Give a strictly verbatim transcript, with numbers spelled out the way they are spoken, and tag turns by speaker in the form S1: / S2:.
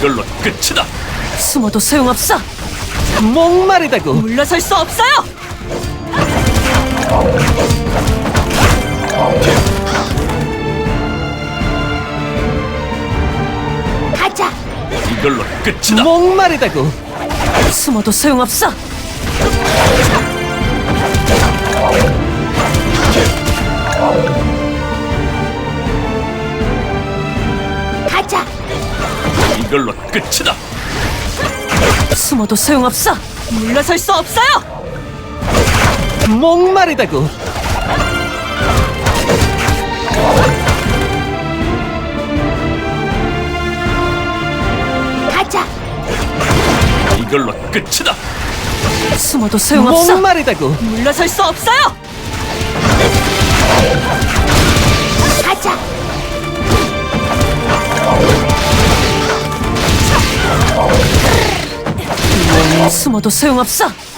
S1: 이걸로 끝이다.
S2: 숨어도 소용없어.
S3: 목마르다고.
S2: 물러설 수 없어요. 가자.
S1: 이걸로 끝이다.
S3: 목마르다고.
S2: 숨어도 소용없어. 가자.
S1: 이걸로 끝이다.
S2: 숨어도 소용없어. 물러설 수 없어요.
S3: 목마르다고.
S2: 가자.
S1: 이걸로 끝이다.
S2: 숨어도 소용없어.
S3: 목마르다고.
S2: 물러설 수 없어요. 가자. 숨어도 소용없어.